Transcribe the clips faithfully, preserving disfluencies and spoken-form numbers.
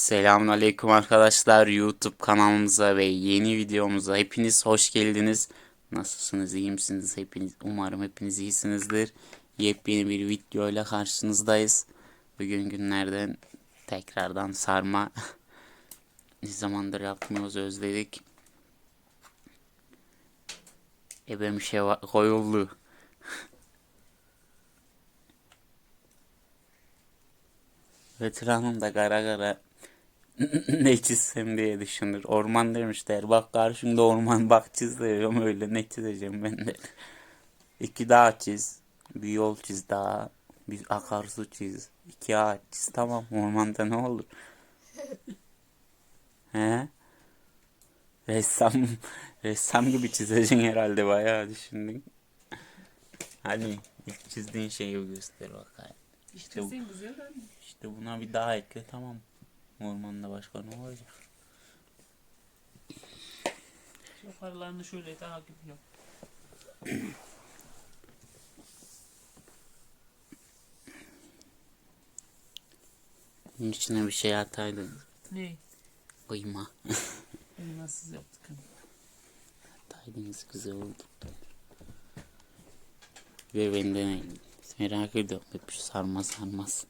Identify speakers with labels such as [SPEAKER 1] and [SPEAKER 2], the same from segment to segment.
[SPEAKER 1] Selamünaleyküm arkadaşlar, YouTube kanalımıza ve yeni videomuza hepiniz hoş geldiniz. Nasılsınız, iyi misiniz hepiniz? Umarım hepiniz iyisinizdir. Yepyeni bir videoyla karşınızdayız. Bugün günlerden tekrardan sarma. Ne zamandır yapmıyoruz, özledik. Ebe bir şey var- koyuldu. Veteranım da kara kara ne çizsem diye düşünür. Orman demişler. Bak karşımda orman, bak çiz diyorum, öyle ne çizeceğim ben de. İki dağ çiz. Bir yol çiz daha. Bir akarsu çiz. İki ağaç çiz. Tamam, ormanda ne olur? He? Ressam, ressam gibi çizeceksin herhalde, bayağı düşündün. Hadi ilk çizdiğin şeyi göster bakayım. İşte, bu-
[SPEAKER 2] Çizeyim güzel anne.
[SPEAKER 1] işte buna bir dağ ekle, tamam. Ormanda başka ne olacak?
[SPEAKER 2] Yukarılarını şöyle daha gibi yap.
[SPEAKER 1] Bunun içine bir şey ataydın.
[SPEAKER 2] Ne?
[SPEAKER 1] Kıyma.
[SPEAKER 2] Elmasız yaptık hani.
[SPEAKER 1] Ataydınız, güzel oldu. Ve ben de merak ediyorum. Hep şu sarma sarmaz.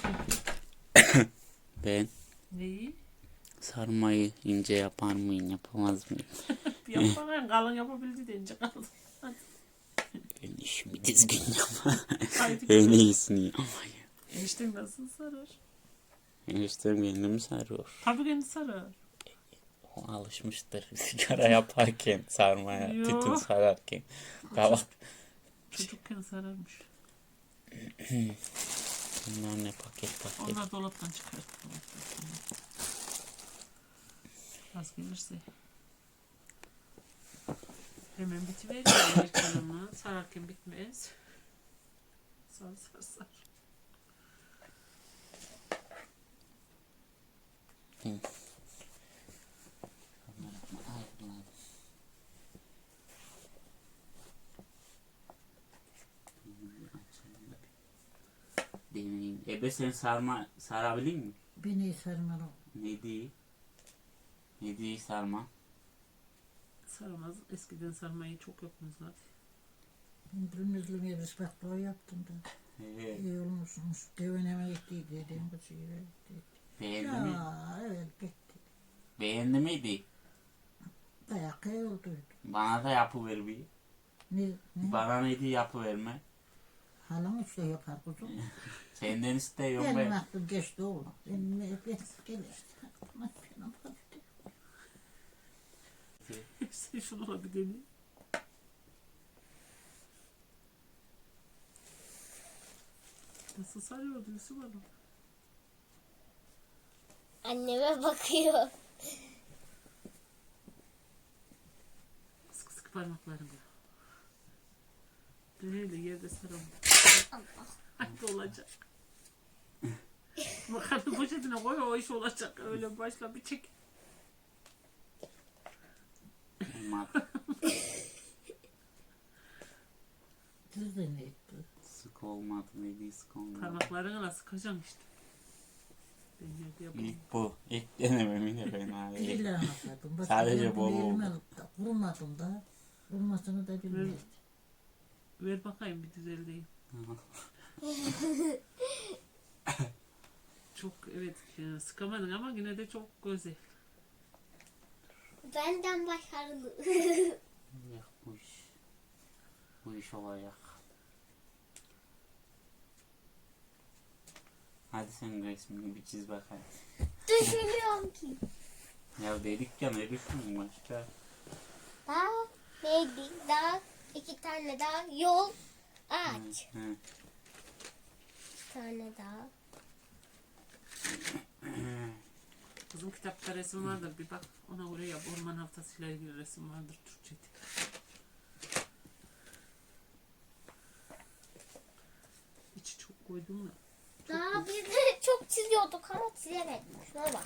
[SPEAKER 1] Ben
[SPEAKER 2] Neyi?
[SPEAKER 1] sarmayı ince yapar mıyım, yapamaz mıyım?
[SPEAKER 2] Yapmadan kalın yapabildi deyince kalın. Hadi.
[SPEAKER 1] Ben işimi düzgün yapma.
[SPEAKER 2] Haydi
[SPEAKER 1] En
[SPEAKER 2] bakalım.
[SPEAKER 1] iyisini yapmayı.
[SPEAKER 2] Eniştem nasıl sarar?
[SPEAKER 1] Eniştem kendimi sarıyor.
[SPEAKER 2] Tabii kendi sarar.
[SPEAKER 1] O alışmıştır sigara yaparken sarmaya,
[SPEAKER 2] Yo.
[SPEAKER 1] tütün sararken. Kavak.
[SPEAKER 2] Çocukken sararmış.
[SPEAKER 1] Bunlar ne paket paket.
[SPEAKER 2] Onlar dolaptan çıkarttı. Az gelirse. Hemen bitiveriyor erken, sararken bitmez. Sar sar sar.
[SPEAKER 1] Hı. Bunlar yapma. Ay, bunlar. Deneyim. Ebe sen sarma sarabilir mi?
[SPEAKER 3] Beni sarmalı.
[SPEAKER 1] Ne değil? Ne değil sarma?
[SPEAKER 2] Saramaz. Eskiden sarmayı çok yapmazlar.
[SPEAKER 3] Ben pürmüzlü bir ıspatlıyor yaptım da.
[SPEAKER 1] Evet.
[SPEAKER 3] İyi olmuşmuş. Deveneme gitti dedim. Bu sigara gitti.
[SPEAKER 1] Beğendi mi?
[SPEAKER 3] Ya evet gitti.
[SPEAKER 1] Beğendi miydi?
[SPEAKER 3] Dayak olduydu.
[SPEAKER 1] Bana da yapıver bir.
[SPEAKER 3] Ne? ne?
[SPEAKER 1] Bana neydi yapıverme.
[SPEAKER 3] Halam işte yapar kuzum.
[SPEAKER 1] Senden istiyorum
[SPEAKER 3] Benim
[SPEAKER 1] ben.
[SPEAKER 3] aklım geçti oğlum. Benim ben gelişti. Aklıma benim baktı.
[SPEAKER 2] Sen şunu da bir deneyim. Nasıl sarıyordu Yusuf Hanım?
[SPEAKER 4] Anneme bakıyor.
[SPEAKER 2] Sıkı sıkı parmaklarımla. Böyle yerde saramam. Hadi olacak. Makarna poşetine koy, o iş olacak. Öyle başla bir çek.
[SPEAKER 1] Olmaz.
[SPEAKER 3] Siz de ne etti?
[SPEAKER 1] Sık olmadı, neydi sık olmadı.
[SPEAKER 2] Parmaklarına sıkacaksın işte. Ben yerde yapayım.
[SPEAKER 1] İlk bu. İlk denemem yine ben abi.
[SPEAKER 3] İlla anlatmadım. Bak,
[SPEAKER 1] Sadece
[SPEAKER 3] ben
[SPEAKER 1] bol
[SPEAKER 3] bunu elime
[SPEAKER 1] oldu.
[SPEAKER 3] alıp da Vurmadım da. Vurmasını da bilmezdim.
[SPEAKER 2] Ver bakayım bir düzeldeyim. Çok evet e, sıkamadın ama yine de çok güzel.
[SPEAKER 4] Benden başarılı.
[SPEAKER 1] Yok bu iş. Bu iş olacak. Hadi sen resmini bir çiz bakayım.
[SPEAKER 4] Düşünüyorum ki.
[SPEAKER 1] Ya dedik ya, ne düşündün başka?
[SPEAKER 4] Daha neydi? Daha iki tane daha yol ağaç.
[SPEAKER 1] Hı, hı.
[SPEAKER 4] Bir tane daha.
[SPEAKER 2] Kızım kitapta resim vardır, bir bak ona göre yap. Orman haftasıyla ilgili resim vardır Türkçe'de. İçi çok koydum da.
[SPEAKER 4] Daha biz de çok çiziyorduk ama çizemedik. Şuna bak.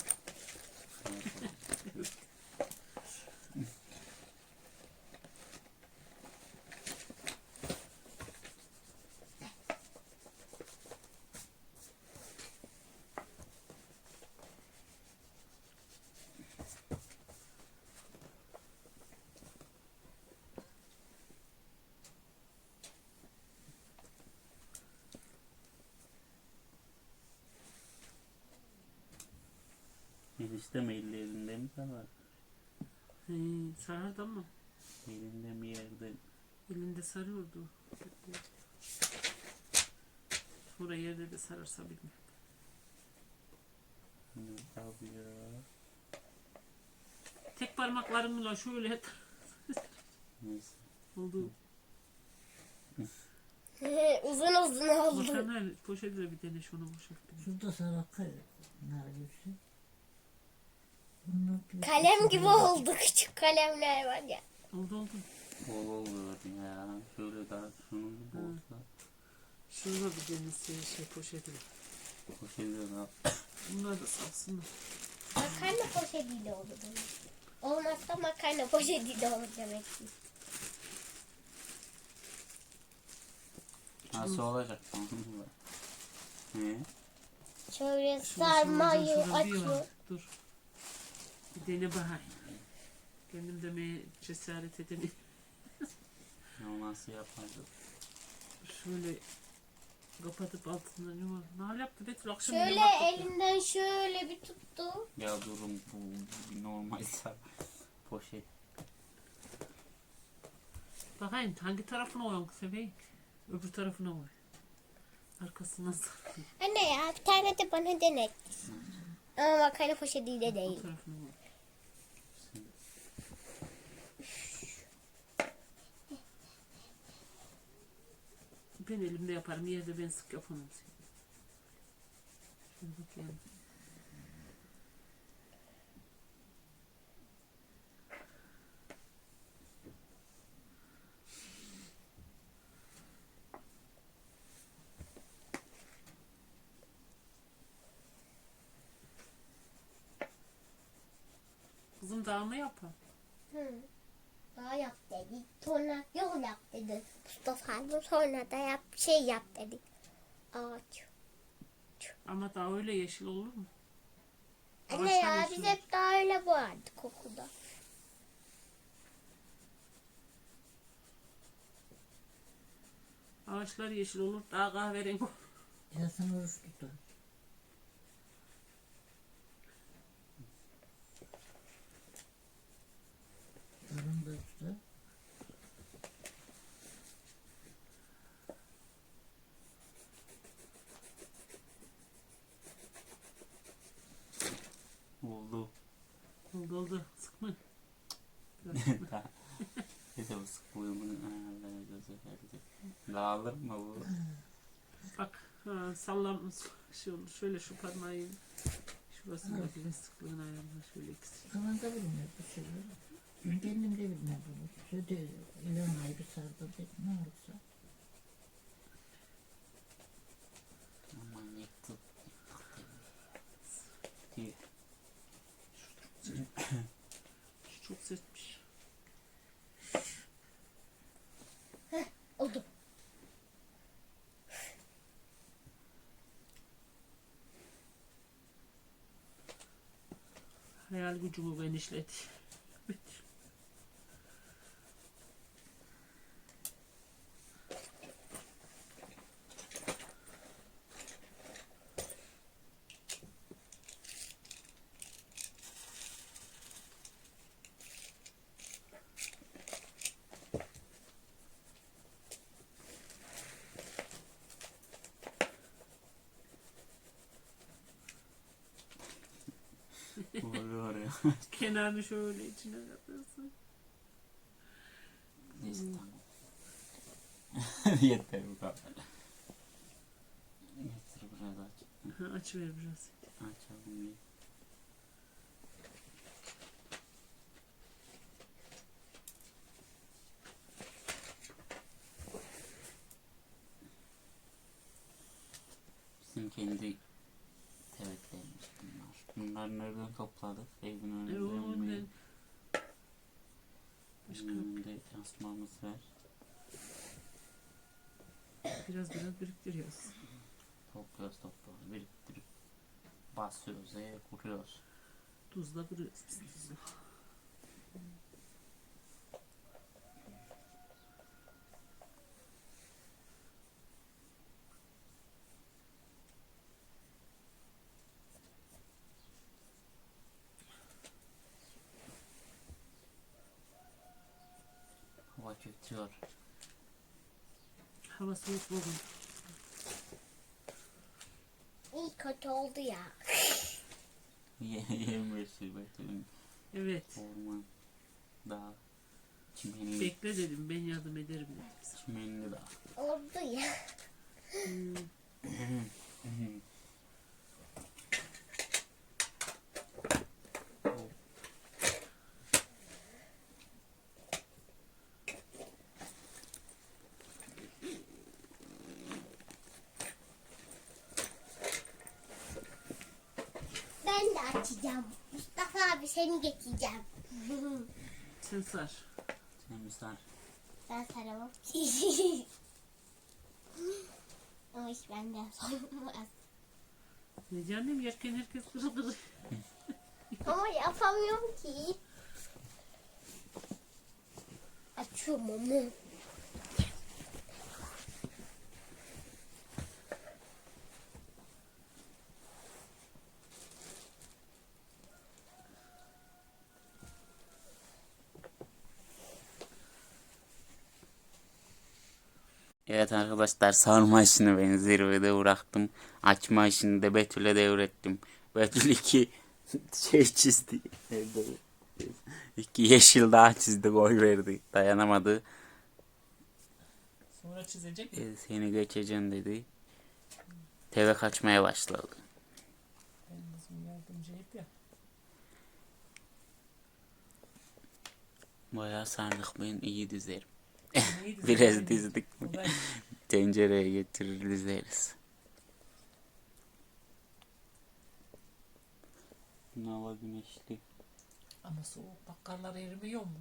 [SPEAKER 1] Enişte mi elli elinde mi sarar?
[SPEAKER 2] He, sarardı ama
[SPEAKER 1] Elinde mi yerde?
[SPEAKER 2] elinde sarıyordu. Sonra yerde de sararsa bilmiyorum.
[SPEAKER 1] Ne yapıyor?
[SPEAKER 2] Tek parmaklarımla şöyle
[SPEAKER 1] Neyse.
[SPEAKER 2] oldu.
[SPEAKER 4] uzun uzun oldu.
[SPEAKER 2] Makarna poşetle bir dene şunu boşalt. bir.
[SPEAKER 3] Şurada sarık nar gibi. Bunlar bir-
[SPEAKER 4] Kalem gibi oldu, küçük kalemler var ya.
[SPEAKER 2] Oldu oldu.
[SPEAKER 1] Bol oluyor ya. Şöyle daha şunun gibi olsa.
[SPEAKER 2] Şunu bir denesi şey poşetle.
[SPEAKER 1] Koşuyor da.
[SPEAKER 2] Bunlar da salsınlar.
[SPEAKER 4] Makarna poşetiyle olur. Olmazsa makarna poşetiyle olur demek ki.
[SPEAKER 1] Nasıl olacak? He?
[SPEAKER 4] Şöyle
[SPEAKER 2] Şunu
[SPEAKER 4] sarmayı
[SPEAKER 2] şuradan şuradan bir
[SPEAKER 4] açıyor.
[SPEAKER 2] var. Dur. Bir dene bakayım. Kendim demeye cesaret edemiyorum.
[SPEAKER 1] Ya nasıl yapacak?
[SPEAKER 2] Şöyle kapatıp altından yuvar. Ne yaptı Betül akşam
[SPEAKER 4] Şöyle
[SPEAKER 2] yumak yapıyor.
[SPEAKER 4] elinden şöyle bir tuttu.
[SPEAKER 1] Ya durum bu bir normalse poşet.
[SPEAKER 2] Bakayım hangi tarafına koyalım seveyim. Öbür tarafına koy. Arkasından sarayım.
[SPEAKER 4] Anne ya bir tane de bana denet. Ama makarna poşetiyle
[SPEAKER 2] O
[SPEAKER 4] değil.
[SPEAKER 2] tarafına koy. Ben elimde yaparım. Yerde ben sık yapamam. Şöyle bakayım. Kızım daha mı yapar?
[SPEAKER 4] Hı. Daha yap dedi. Sonra yol yap dedi. Mustafa abi sonra da yap şey yap dedi. Ağaç.
[SPEAKER 2] Ama daha öyle yeşil olur mu?
[SPEAKER 4] Anne
[SPEAKER 2] Ağaçlar
[SPEAKER 4] ya
[SPEAKER 2] yeşil
[SPEAKER 4] biz
[SPEAKER 2] olur.
[SPEAKER 4] hep daha öyle boğardık okulda.
[SPEAKER 2] Ağaçlar yeşil olur. Daha kahverengi olur.
[SPEAKER 3] Yasın oruç tutar. Karın da tutar.
[SPEAKER 1] Oldu.
[SPEAKER 2] Oldu oldu. Sıkma. Biraz sıkma.
[SPEAKER 1] Bir de bu sıklığımın ayarları gözü verdi. Dağılır mı bu?
[SPEAKER 2] Bak ha, sallam şey olur. Şöyle şu parmağı şurasında bile sıklığını ayarla. Şöyle ikisi.
[SPEAKER 3] Kalan da bilmiyor bu şeyleri. Ben kendim de bilmem bunu. Şöyle ilan ayrı sardı dedim. Ne olursa.
[SPEAKER 1] Aman yıktı. Diye.
[SPEAKER 2] Şu çok sertmiş.
[SPEAKER 4] Oldu.
[SPEAKER 2] Hayal gücümü genişledi.
[SPEAKER 1] Oluyor ya.
[SPEAKER 2] Kenarını şöyle içine katırsın.
[SPEAKER 1] Neyse tamam. Yeter bu kadar. Getir biraz aç.
[SPEAKER 2] Ha, açıver biraz.
[SPEAKER 1] Açalım bir. Bizim kendi tevetlerimiz bunlar. Bunları nereden topladık? Evin
[SPEAKER 2] E,
[SPEAKER 1] önünde
[SPEAKER 2] o
[SPEAKER 1] mi?
[SPEAKER 2] ne? Başka
[SPEAKER 1] Evin önünde asmamız var.
[SPEAKER 2] biraz biraz biriktiriyoruz.
[SPEAKER 1] Topluyoruz topluyoruz. Biriktirip basıyoruz. Eve kuruyoruz.
[SPEAKER 2] Tuzla kırıyoruz biz tuzla.
[SPEAKER 1] Kötüyor.
[SPEAKER 2] Hava soğuk bugün.
[SPEAKER 4] İyi kötü oldu ya.
[SPEAKER 1] Yemresi Betül'ün
[SPEAKER 2] Evet.
[SPEAKER 1] orman. Dağ. Çimenli.
[SPEAKER 2] Bekle dedim, ben yardım ederim dedim.
[SPEAKER 1] Çimenli dağ.
[SPEAKER 4] Oldu ya.
[SPEAKER 2] Hmm.
[SPEAKER 4] Ben de açacağım. Mustafa abi seni getireceğim.
[SPEAKER 2] Sen sar.
[SPEAKER 1] Sen bir sar.
[SPEAKER 4] Ben saramam. Ama hiç benden sorulmaz.
[SPEAKER 2] Ne canım, yerken herkes kırı kırı.
[SPEAKER 4] Ama yapamıyorum ki. Açıyorum onu.
[SPEAKER 1] Evet arkadaşlar, sarma işini ben zirvede bıraktım. Açma işini de Betül'e devrettim. Betül iki şey çizdi. İki yeşil dağ çizdi, gol verdi. Dayanamadı.
[SPEAKER 2] Sonra çizecek.
[SPEAKER 1] E, seni geçeceğim dedi. Teve kaçmaya başladı.
[SPEAKER 2] Ben bizim yardımcı hep ya.
[SPEAKER 1] Bayağı sardık, ben iyi dizerim.
[SPEAKER 2] Neydi?
[SPEAKER 1] Biraz dizdik mi?
[SPEAKER 2] Olay.
[SPEAKER 1] Tencereye getirir dizeriz. Hava güneşli.
[SPEAKER 2] Ama soğuk, bakkallar erimiyor mu?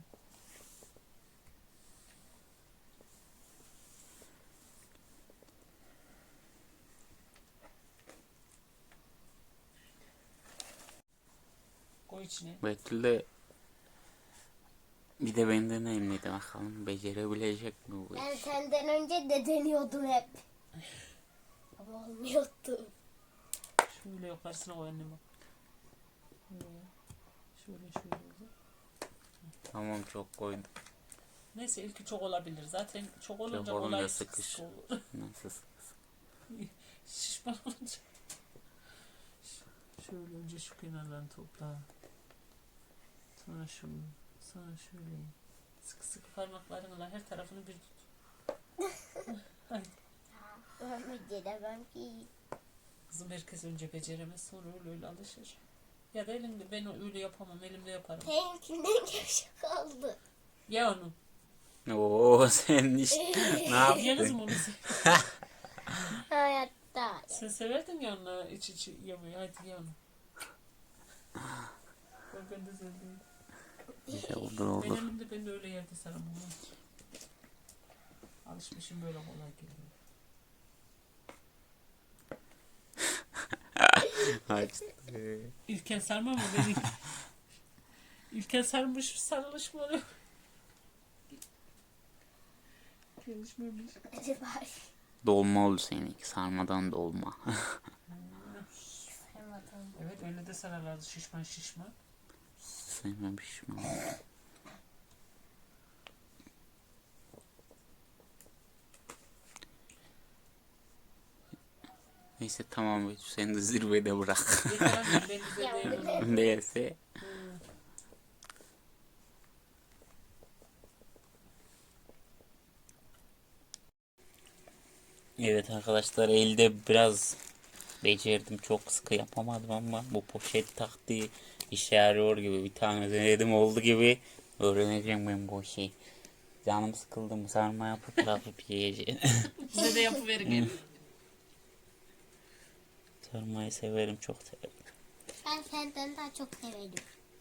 [SPEAKER 2] Koy içine.
[SPEAKER 1] Betül de bir de benden emniydi, bakalım becerebilecek mi bu
[SPEAKER 4] Ben
[SPEAKER 1] iş?
[SPEAKER 4] senden önce de deniyordum hep. Ama olmuyordu.
[SPEAKER 2] Şöyle yukarısına koy anneme. Şöyle, şöyle şöyle olur.
[SPEAKER 1] Tamam, çok koydum.
[SPEAKER 2] Neyse, ilki çok olabilir. Zaten çok olunca
[SPEAKER 1] Çok olunca
[SPEAKER 2] kolay
[SPEAKER 1] sıkış.
[SPEAKER 2] sıkış olur.
[SPEAKER 1] Nasıl?
[SPEAKER 2] Şişman olunca. Şöyle önce şu kenarlarını topla. Sonra şunu. Sonra şöyle. Sıkı sıkı parmaklarınla her tarafını bir tut. Haydi.
[SPEAKER 4] Ben beceremem ki.
[SPEAKER 2] Kızım, herkes önce beceremez, sonra öyle öyle alışır. Ya da elimde, ben öyle yapamam, elimde yaparım.
[SPEAKER 4] Seninkinden gevşek oldu.
[SPEAKER 2] Ya onu.
[SPEAKER 1] Oo, sen iş ne
[SPEAKER 2] Ya
[SPEAKER 1] yaptın?
[SPEAKER 2] kızım onu se-
[SPEAKER 4] Hayatta.
[SPEAKER 2] sen severdin ya onu iç içi yemeği. Hadi ya onu. Bak ben de sevdim.
[SPEAKER 1] İşte olur
[SPEAKER 2] Ben
[SPEAKER 1] olur.
[SPEAKER 2] elimde, ben de öyle yerde sarım onu. Alışmışım, böyle kolay geliyor.
[SPEAKER 1] Açtı.
[SPEAKER 2] İlken sarma mı beni? İlken sarmış, sarılış mı oluyor? Gelişmemiş.
[SPEAKER 4] Hadi bari.
[SPEAKER 1] Dolma oldu seninki. Sarmadan dolma.
[SPEAKER 4] Saymadım.
[SPEAKER 2] Evet, öyle de sararlardı, şişman şişman.
[SPEAKER 1] Sevmemişim ama. Neyse tamam, Betül, sen de zirvede bırak.
[SPEAKER 2] Yeter annem, ben bize
[SPEAKER 4] Ya,
[SPEAKER 2] değilim.
[SPEAKER 1] Neyse. Evet arkadaşlar, elde biraz becerdim, çok sıkı yapamadım ama bu poşet taktiği işe yarıyor gibi. Bir tane denedim, oldu gibi. Öğreneceğim ben bu işi. Canım sıkıldı mı sarma yapıp bırakıp yiyeceğim.
[SPEAKER 2] Bize de yapıverin gelin.
[SPEAKER 1] Sarmayı severim, çok severim.
[SPEAKER 4] Ben senden daha çok severim.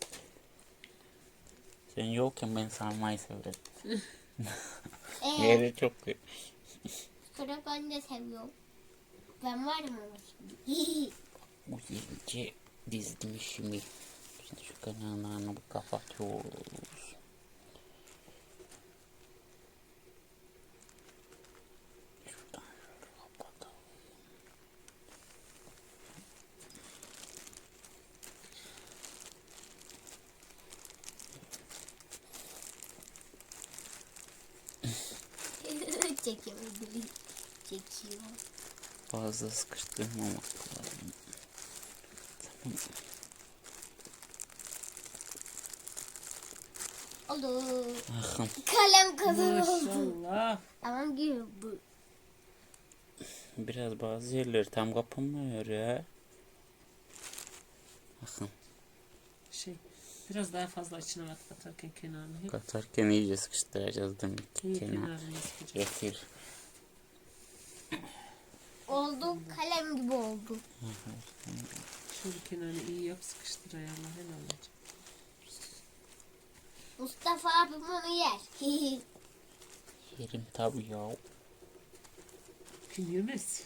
[SPEAKER 1] Sen yokken ben sarmayı severim.
[SPEAKER 4] Eee
[SPEAKER 1] Yeri çok iyi.
[SPEAKER 4] sonra ben de seviyorum. Ben varım ama şimdi.
[SPEAKER 1] Bu iyice dizdim şimdi. Şimdi şu kenarlarını kapatıyoruz. Şuradan şöyle kapatalım.
[SPEAKER 4] çekiyor.
[SPEAKER 1] Fazla sıkıştırmamak lazım.
[SPEAKER 4] Olur.
[SPEAKER 1] Bakın.
[SPEAKER 4] Kalem kadar oldu.
[SPEAKER 2] Maşallah.
[SPEAKER 4] Tamam gibi bu.
[SPEAKER 1] Biraz bazı yerleri tam kapanmıyor ya. Bakın.
[SPEAKER 2] Şey, biraz daha fazla içine kat katarken kenarını hep
[SPEAKER 1] Katarken iyice sıkıştıracağız demek ki.
[SPEAKER 2] iyi
[SPEAKER 1] Kenar.
[SPEAKER 2] kenarını sıkacağız.
[SPEAKER 1] Getir.
[SPEAKER 4] Oldu. Kalem gibi oldu.
[SPEAKER 2] Şöyle kenarını iyi yap, sıkıştır ayağına, helal olacak.
[SPEAKER 4] Mustafa abim onu yer.
[SPEAKER 1] Yerim tabii ya.
[SPEAKER 2] Kim yemez?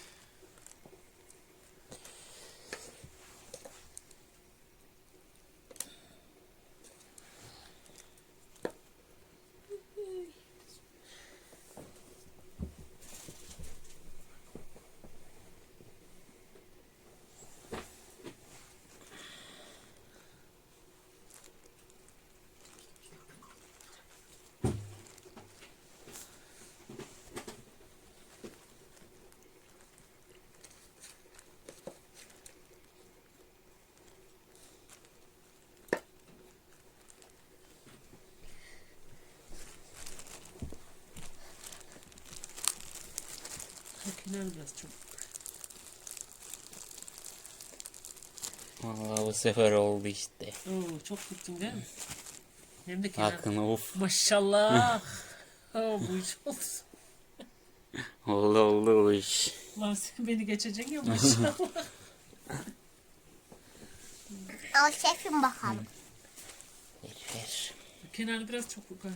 [SPEAKER 2] Bu kenar biraz çok.
[SPEAKER 1] Vallahi bu sefer oldu işte.
[SPEAKER 2] Oo, çok gittin değil mi? Hem de kenar.
[SPEAKER 1] Bakın of.
[SPEAKER 2] Maşallah. Oo, bu iş oldu.
[SPEAKER 1] Oldu oldu bu iş.
[SPEAKER 2] Lan sen beni geçeceksin ya maşallah.
[SPEAKER 4] Al şefim bakalım.
[SPEAKER 1] Ver ver.
[SPEAKER 2] Kenarı biraz çok yukarı.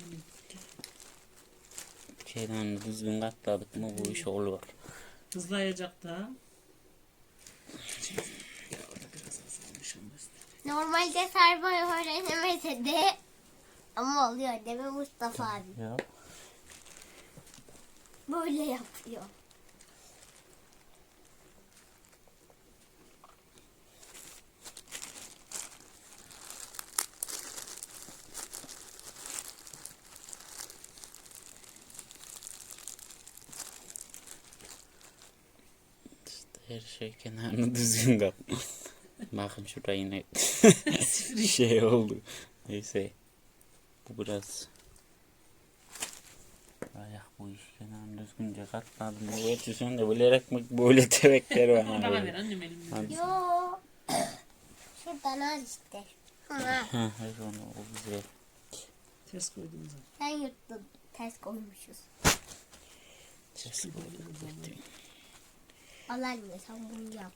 [SPEAKER 1] Şeyden düzgün katladık mı bu iş olur.
[SPEAKER 2] Hızlayacak da. Şimdi, ya orada biraz azalmış ama işte.
[SPEAKER 4] Normalde sarmayı öğrenemese de ama oluyor değil mi Mustafa abi?
[SPEAKER 1] Ya.
[SPEAKER 4] Böyle yapıyor.
[SPEAKER 1] Her şey kenarını düzgün kap. Bakın şurada yine şey oldu. Neyse. Bu biraz. Ayak bu iş kenarını düzgünce katladım. Evet sen de bilerek mi böyle tebekler var.
[SPEAKER 2] Bana ver annem elimde.
[SPEAKER 1] Hadi.
[SPEAKER 4] Yo. Şuradan al işte. Ha.
[SPEAKER 1] Ha, hayır onu o güzel.
[SPEAKER 2] Ters koydum zaten.
[SPEAKER 4] Sen yırttın. Ters koymuşuz.
[SPEAKER 1] Ses koydum.
[SPEAKER 4] Al anne sen bunu yap.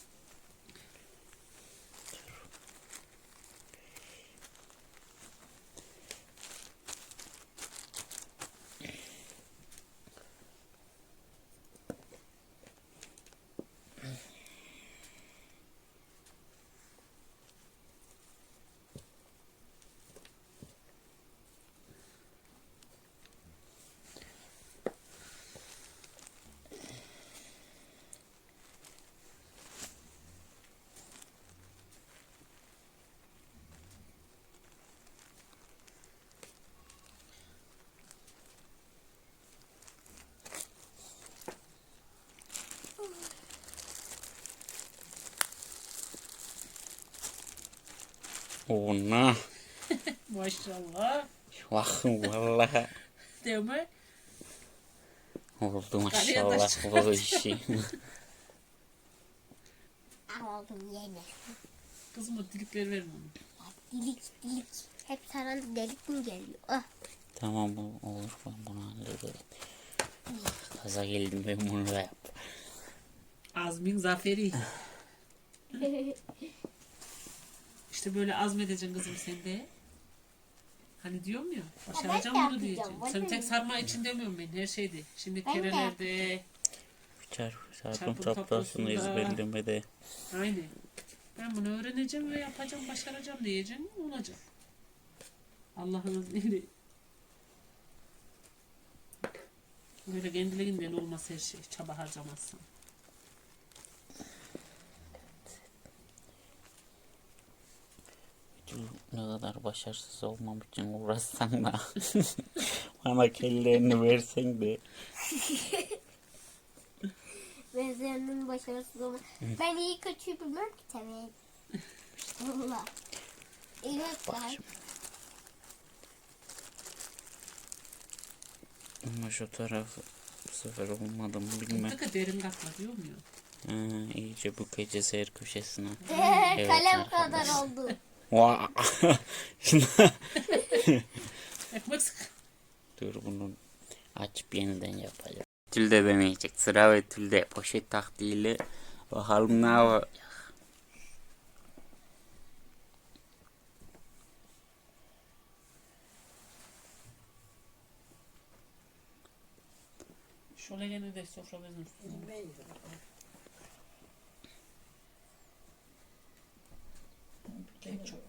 [SPEAKER 1] Ona.
[SPEAKER 2] Maşallah.
[SPEAKER 1] Bakın vallahi.
[SPEAKER 2] Değil mi?
[SPEAKER 1] Oldu maşallah bu işi.
[SPEAKER 4] Al oğlum yeme.
[SPEAKER 2] Kızım o delikleri verin onu.
[SPEAKER 4] Dilik dilik. Hep sana delik mi geliyor? Ah.
[SPEAKER 1] Tamam bu olur ben bunu hallederim. Kaza geldim ben bunu da yap.
[SPEAKER 2] Azmin zaferi. İşte böyle azmedeceksin kızım sen de. Hani diyorum ya, başaracağım
[SPEAKER 4] ben de
[SPEAKER 2] bunu diyeceğim.
[SPEAKER 4] yapacağım,
[SPEAKER 2] Sen
[SPEAKER 4] bana
[SPEAKER 2] tek
[SPEAKER 4] ne?
[SPEAKER 2] sarma için demiyorum ben, her şeyde. Şimdi
[SPEAKER 4] Ben de
[SPEAKER 2] kerelerde,
[SPEAKER 1] Çarpı çarpım
[SPEAKER 2] Çarpım
[SPEAKER 1] tablosunu
[SPEAKER 2] tablosunda.
[SPEAKER 1] ezberlemede.
[SPEAKER 2] aynen. Ben bunu öğreneceğim ve yapacağım, başaracağım diyeceğim, olacak. Allah'ın izniyle. Böyle kendiliğinden olmaz her şey, çaba harcamazsın.
[SPEAKER 1] Ne kadar başarısız olmam için uğraşsan da bana kellerini versen de
[SPEAKER 4] Benzeyenin başarısız olma. Ben iyi kötüyü bilmem ki tabii. Allah. İyi göster.
[SPEAKER 1] Ama şu tarafı bu sefer olmadı mı bilmem.
[SPEAKER 2] Mutlaka derin katma diyor muyum?
[SPEAKER 1] Ha, iyice bu gece seyir köşesine. Evet,
[SPEAKER 4] Kalem
[SPEAKER 1] arkadaşlar.
[SPEAKER 4] kadar oldu.
[SPEAKER 1] Vaa! Şuna-
[SPEAKER 2] Ekmek sık.
[SPEAKER 1] Dur bunu açıp yeniden yapacağım. Betül'de deneyecek. Sıra Betül'de. Poşet taktiğiyle bakalım ne yapacak.
[SPEAKER 2] Şöyle gene de sofra bezin üstüne. Ben çok.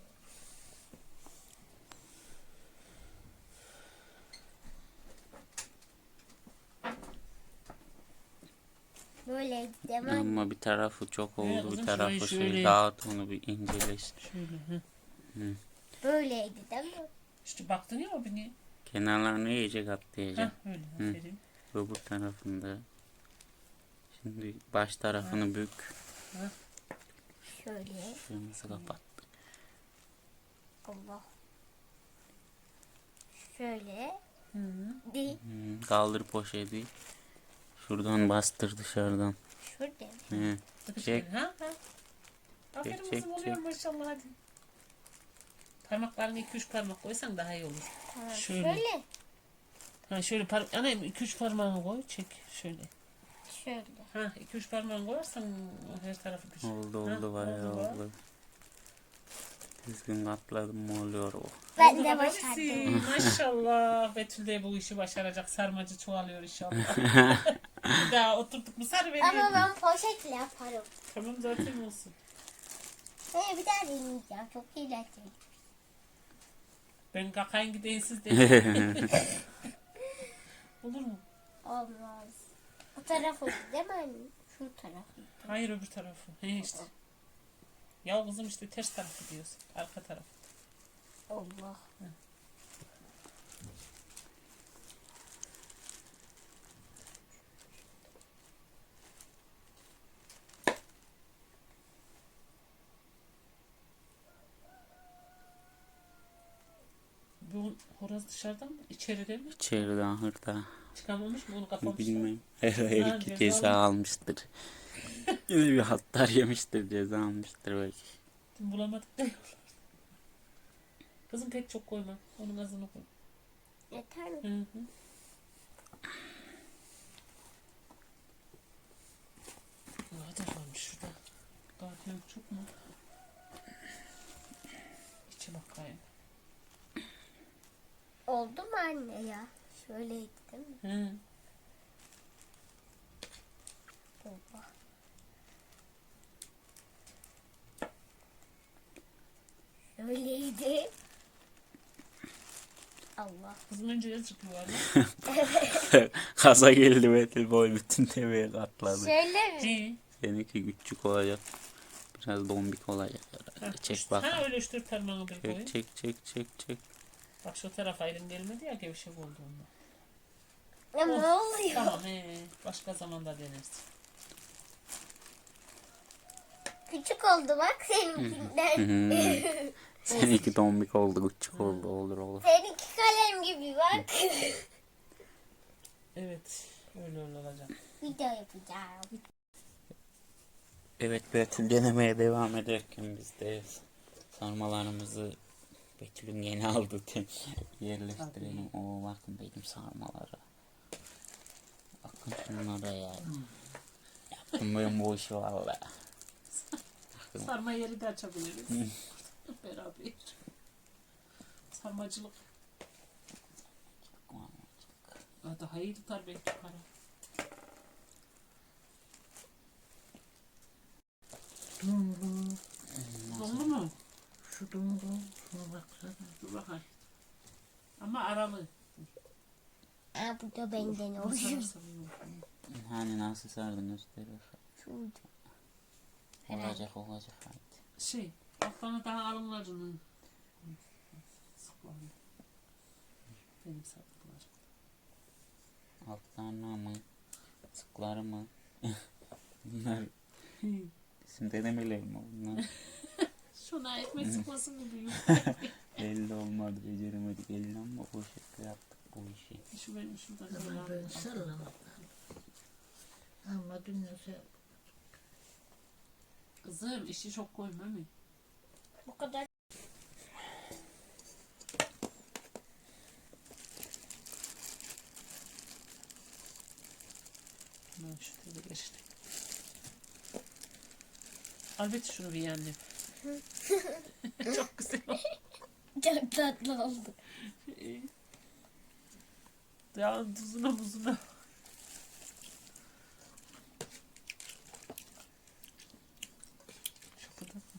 [SPEAKER 4] Böyle demem.
[SPEAKER 1] Ama bir tarafı çok
[SPEAKER 2] Evet,
[SPEAKER 1] oldu, bir
[SPEAKER 2] kızım,
[SPEAKER 1] tarafı
[SPEAKER 2] şurayı
[SPEAKER 1] şey.
[SPEAKER 2] şöyle-
[SPEAKER 1] Dağıt onu bir inceleş.
[SPEAKER 2] Şöyle. Hı.
[SPEAKER 4] Böyleydi değil mi?
[SPEAKER 2] İşte baktın ya o beni.
[SPEAKER 1] Kenarlarını iyice
[SPEAKER 2] Heh
[SPEAKER 1] katlayacağım.
[SPEAKER 2] öyle.
[SPEAKER 1] Hı.
[SPEAKER 2] Aferin.
[SPEAKER 1] Öbür tarafında. Şimdi baş tarafını bük.
[SPEAKER 4] Şöyle.
[SPEAKER 1] Şurası kapat.
[SPEAKER 4] Allah. Şöyle.
[SPEAKER 2] Hı -hı.
[SPEAKER 4] Di.
[SPEAKER 1] Hmm, kaldır poşeti. Şuradan bastır dışarıdan.
[SPEAKER 4] Şurada.
[SPEAKER 1] He. Çek.
[SPEAKER 2] Ha ha. Aferin
[SPEAKER 1] Çek,
[SPEAKER 2] kızım
[SPEAKER 1] çek,
[SPEAKER 2] oluyor
[SPEAKER 1] çek.
[SPEAKER 2] maşallah hadi. Parmaklarını iki üç parmak koysan daha iyi olur.
[SPEAKER 4] Tamam.
[SPEAKER 2] Şöyle.
[SPEAKER 4] Şöyle.
[SPEAKER 2] Ha şöyle par annem iki üç parmağını koy çek şöyle.
[SPEAKER 4] Şöyle.
[SPEAKER 2] Ha iki üç parmağını koyarsan her tarafı güzel.
[SPEAKER 1] Oldu
[SPEAKER 2] Ha,
[SPEAKER 1] oldu bayağı
[SPEAKER 2] bak.
[SPEAKER 1] oldu. Düzgün katladım mı oluyor o.
[SPEAKER 4] Ben
[SPEAKER 2] Oldu
[SPEAKER 4] de
[SPEAKER 2] babacısı.
[SPEAKER 4] başardım.
[SPEAKER 2] Maşallah. Betül de bu işi başaracak. Sarmacı çoğalıyor inşallah. Bir daha oturduk mu sarı
[SPEAKER 4] Ama
[SPEAKER 2] veriyor.
[SPEAKER 4] ben poşetle yaparım.
[SPEAKER 2] Tamam zaten olsun.
[SPEAKER 4] Hey, bir daha deneyeceğim. Çok eğlenceli.
[SPEAKER 2] Ben kakayın gideyim siz de. Olur mu?
[SPEAKER 4] Olmaz. O tarafı değil mi anne? Şu tarafı.
[SPEAKER 2] Hayır öbür tarafı. He işte. Ya kızım işte ters taraf gidiyorsun. Arka taraf.
[SPEAKER 4] Allah.
[SPEAKER 2] Bu horoz dışarıda mı? İçeride mi?
[SPEAKER 1] İçeriden hırda.
[SPEAKER 2] Çıkamamış mı? Onu kapamış mı?
[SPEAKER 1] Bilmem. Her
[SPEAKER 2] Ha,
[SPEAKER 1] iki
[SPEAKER 2] ceza
[SPEAKER 1] ceza almıştır. Yine bir hatlar yemiştir, ceza almıştır belki.
[SPEAKER 2] Dün bulamadık da yollarda. Kızım pek çok koyma. Onun azını koy.
[SPEAKER 4] Yeter mi?
[SPEAKER 2] Hı hı. Ne kadar varmış şurada? Gardiyan çok mu? İçe bakayım.
[SPEAKER 4] Oldu mu anne ya? Şöyleydi değil mi?
[SPEAKER 2] Hı.
[SPEAKER 4] Allah. Şöyleydi. Allah.
[SPEAKER 2] Kızım önce yazık yuvarlak.
[SPEAKER 1] Kaza geldi Betül boy bütün tepeye katladı.
[SPEAKER 4] Şöyle mi?
[SPEAKER 2] Hı.
[SPEAKER 1] Seninki küçük olacak. Biraz dombik olacak herhalde. Çek
[SPEAKER 2] Ha
[SPEAKER 1] bakalım.
[SPEAKER 2] öyle üç dört parmağını bir koy.
[SPEAKER 1] Çek çek çek çek çek.
[SPEAKER 2] Bak şu tarafa elin gelmedi ya gevşek oldu ondan.
[SPEAKER 4] Ya ne oluyor?
[SPEAKER 2] Tamam he. Başka zamanda denersin.
[SPEAKER 4] Küçük oldu bak seninkinden.
[SPEAKER 1] Hmm. Seninki dombik oldu, küçük oldu. Olur olur.
[SPEAKER 4] Seninki kalem gibi bak.
[SPEAKER 2] Evet. Öyle öyle olacak.
[SPEAKER 4] Video yapacağım.
[SPEAKER 1] Evet Betül denemeye devam ederken biz de sarmalarımızı Betül'ün yeni aldı yerleştirelim. Oo bakın benim sarmalara. Bakın şunlara ya. Yaptım ben bu işi valla.
[SPEAKER 2] Sarma yeri de açabiliriz. Beraber. Sarmacılık. Aa, daha iyi tutar belki para.
[SPEAKER 3] Dumru.
[SPEAKER 2] Donlu mu?
[SPEAKER 3] Şu dumru. Şuna baksana.
[SPEAKER 2] Dur bakayım. Ama aralı.
[SPEAKER 4] Aa, bu da benden
[SPEAKER 2] Nasıl
[SPEAKER 4] oluyor.
[SPEAKER 2] sararsa bunu.
[SPEAKER 1] Hani nasıl sardın gösterir.
[SPEAKER 4] Şurada.
[SPEAKER 1] Olacak olacak hadi.
[SPEAKER 2] Şey, altlarına daha alınlarını. Sıklandı. Benim sardıklar.
[SPEAKER 1] Altlarına mı? Sıkları mı? Bunlar bizim denemeler mi bunlar?
[SPEAKER 2] Şuna ekmek sıkmasın gibi büyük.
[SPEAKER 1] Belli olmadı, beceremedik elini ama o şekilde yaptık bu işi.
[SPEAKER 2] Şu benim şurada
[SPEAKER 3] Zaman böyle
[SPEAKER 2] kalan.
[SPEAKER 3] sallamadı. Ama dünyası
[SPEAKER 2] Kızım işi çok koyma mı?
[SPEAKER 4] Bu kadar.
[SPEAKER 2] Ben şu tarafa geçtim. Al bir şunu bir annem. Çok güzel oldu.
[SPEAKER 4] Çok tatlı oldu.
[SPEAKER 2] Ya tuzuna buzuna. Şapıdak mı?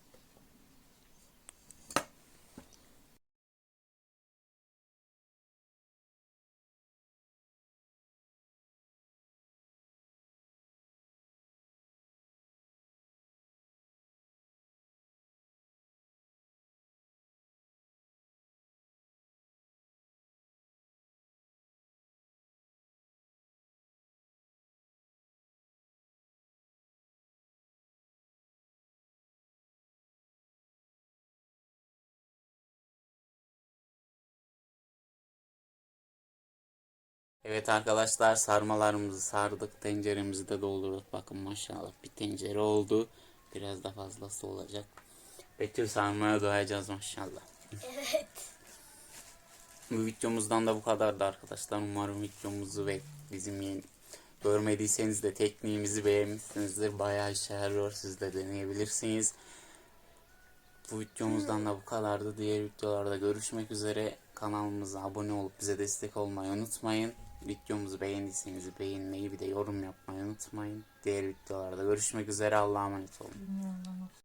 [SPEAKER 1] Evet arkadaşlar, sarmalarımızı sardık, tenceremizi de doldurduk. Bakın maşallah bir tencere oldu. Biraz da fazlası olacak. Betül sarmaya doyacağız maşallah.
[SPEAKER 4] Evet.
[SPEAKER 1] Bu videomuzdan da bu kadardı arkadaşlar. Umarım videomuzu ve bizim yeni görmediyseniz de tekniğimizi beğenmişsinizdir. Bayağı işe yarıyor. Siz de deneyebilirsiniz. Bu videomuzdan da bu kadardı. Diğer videolarda görüşmek üzere. Kanalımıza abone olup bize destek olmayı unutmayın. Videomuzu beğendiyseniz beğenmeyi, bir de yorum yapmayı unutmayın. Diğer videolarda görüşmek üzere. Allah'a emanet olun.
[SPEAKER 3] dünyanın